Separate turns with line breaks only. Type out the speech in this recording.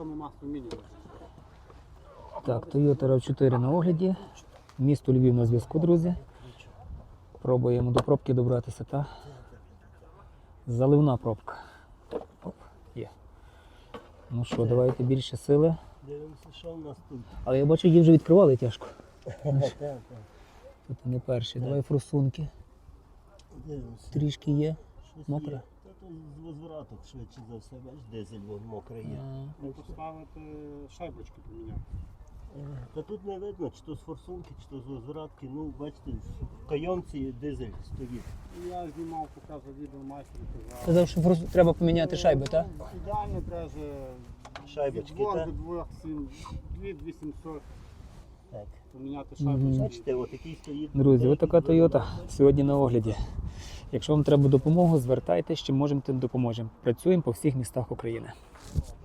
Так, Toyota RAV4 на огляді. Місто Львів на зв'язку, друзі. Пробуємо до пробки добратися, та заливна пробка. Оп, є. Ну що, давайте більше сили.
Дивимося, що в нас тут.
Але я бачу, її вже відкривали тяжко. Тут не перший. Давай форсунки.
Дивимося.
Трішки є.
Щось
Мокре?
є. Та тут з возвраток швидше за все, бачиш, дизель вон мокрий є.
Поставити шайбочки поміняти.
Та тут не видно, чи то з форсунки, чи то з возвратки. Ну, бачите, в кайомці дизель стоїть.
Я знімав, показував відео майстру, казав.
Казав, що треба поміняти шайби, так?
Ідеально даже
Шайбочки,
від
так?
до 2700
Так.
поміняти шайбочки.
Бачите, отакий стоїть.
Друзі, ось така Toyota сьогодні на огляді. Якщо вам треба допомогу, звертайтеся, чим можемо, тим допоможемо. Працюємо по всіх містах України.